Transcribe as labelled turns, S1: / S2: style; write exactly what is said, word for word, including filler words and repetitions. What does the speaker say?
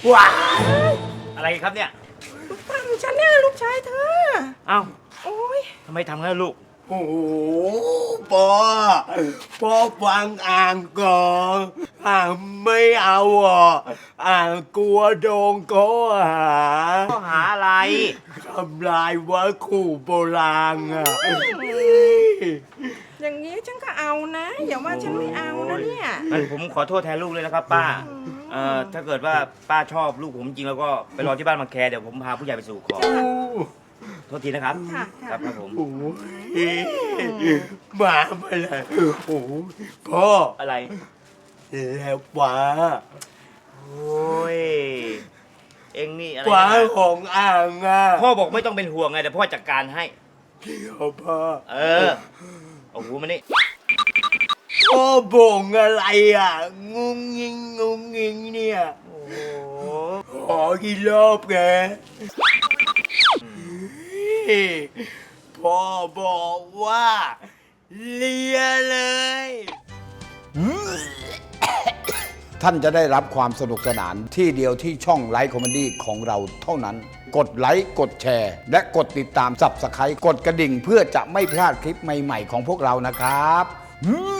S1: ว้า
S2: อะไรครับเนี่ย
S3: ลูกปั้นฉันเนี่ยลูกชายเธอ
S2: เอ้า
S3: โอ้ย
S2: ทำไมทำงั้นลูก
S1: โอ้โหพ่อพ่อฟังอ่างก่อนอ่างไม่เอาอ่ะอ่างกลัวโดนข้อหา
S2: ข้อหาอะไร
S1: ทำลายวัตถุโบราณอ่ะ
S3: อย่างนี้ฉันก็เอานะอย่าว่าฉันไม่เอานะเนี่ย
S2: งั้นผมขอโทษแทนลูกเลยนะครับ ป้า เอ่อ ถ้าเกิดว่าป้าชอบลูกผมจริงแล้วก็ไปรอที่บ้านบางแคเดี๋ยวผมพาผู้ใหญ่ไปสู่ขอ โทษทีนะครับ
S3: ค่ะ
S2: ค
S3: ค่ะ
S2: รับครับผม
S1: โอ้ยมาไปเลยโอ้ยพ่อ
S2: อะไร
S1: แล้วฟ้า
S2: โอ้ย เอ็งนี่อะไร
S1: ฟ้า
S2: นะ
S1: ของอ่างอ่ะ
S2: พ่อบอกไม่ต้องเป็นห่วงไงเดี๋ยวพ่อจัดการให้
S1: เดี๋ยวพ่อ
S2: เออ โอ้โหมันนี่
S1: พ่อบ่งอะไรอ่ะ งุ้งงิงงุ้งงิงเนี่ย
S2: โอ้โห
S1: ขอกี่รอบแกพ่อบอกว่าเลียเลย
S4: ท่านจะได้รับความสนุกสนานที่เดียวที่ช่องไลฟ์คอมเมดี้ของเราเท่านั้น กดไลค์กดแชร์ และกดติดตามสับสไครต์กดกระดิ่งเพื่อจะไม่พลาดคลิปใหม่ๆของพวกเรานะครับ